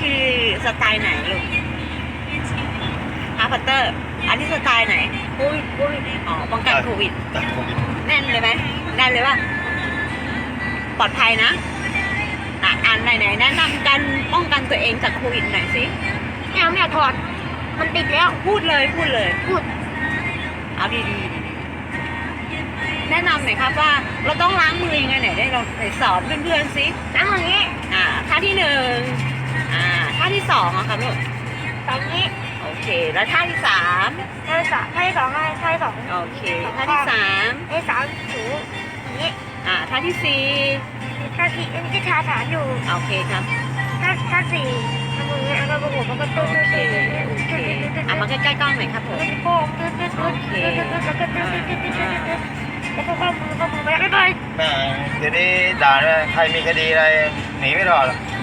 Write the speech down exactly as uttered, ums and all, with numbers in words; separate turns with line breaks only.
คือสไตล์ไหนลูกฮาร์พัตเตอร์ อันนี้สไตล์ไหนโควิดโควิดอ๋อป้องกันโควิด
จากโควิด
แน่นเลยไหมแน่นเลยป่ะปลอดภัยนะอ่ะอันไหนไหนแนะนำการป้องกันตัวเองจากโควิดหน่อยสิ
แมวแมวถอดมันติดแล้ว
พูดเลยพูดเลย
พูด
เอาดีๆแนะนำหน่อยครับว่าเราต้องล้างมือยังไงไหนได้เราไหนสอนเพื่อนๆสิ
น้ำอย่างนี้
อ่าท่าที่หนึ่งอ่าท่าที่สองอะครับลูก
สองนี้
โอเค แล้วท่าที่สาม
ท่าที่สามท่าที่สองท่าท่าที่สอง
โอเคท่าที่สาม
ท่าที่สามถูอย่างนี้
อ่าท่าที่สี่
ท่าที่อันนี้ที่ทาฐานอยู่
โอเคครับ
ท่าท่าสี่ทำมืออย่างนี้แล้วก็ประกบมันก็ตื้อ
โอ
ตื้อ
เค
ตื้อ
โอเคอ่ะมาใกล้ๆกล้องหน่อยครับผม
โค้งตื้อตื้อตื้อตื้อตื้อตื้อแล้วก็ตื้อตื้อตื้อตื้อตื้อแล้วก็ข้อมือข้อมือไปไปไป
แม่เดี๋ยวนี้ด่าเลยใครมีคดีอะไรหนีไม่รอดหรอก
เ